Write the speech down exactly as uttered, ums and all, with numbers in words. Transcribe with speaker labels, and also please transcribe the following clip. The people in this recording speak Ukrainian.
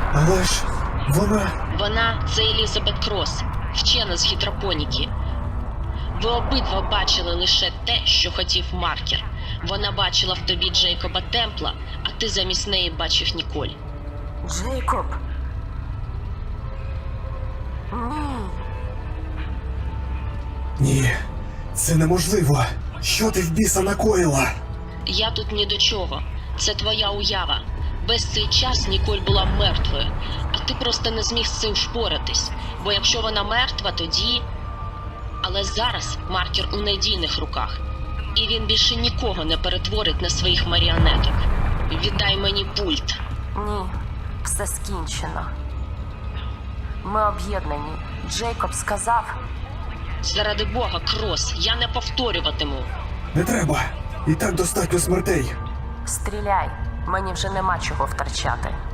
Speaker 1: Але ж вона...
Speaker 2: Вона – це Елізабет Кросс, вчена з гідропоніки. Ви обидва бачили лише те, що хотів Маркер. Вона бачила в тобі Джейкоба Темпла, а ти замість неї бачив Ніколь.
Speaker 3: Джейкоб? Ні.
Speaker 1: Ні, це неможливо. Що ти в біса накоїла?
Speaker 2: Я тут ні до чого. Це твоя уява. Весь цей час Ніколь була мертвою, а ти просто не зміг з цим впоратись. Бо якщо вона мертва, тоді... Але зараз Маркер у надійних руках. І він більше нікого не перетворить на своїх маріонеток. Віддай мені пульт.
Speaker 3: Ні. Все скінчено. Ми об'єднані. Джейкоб сказав...
Speaker 2: Заради Бога, Кросс, я не повторюватиму.
Speaker 1: Не треба. І так достатньо смертей.
Speaker 3: Стріляй. Мені вже нема чого втрачати.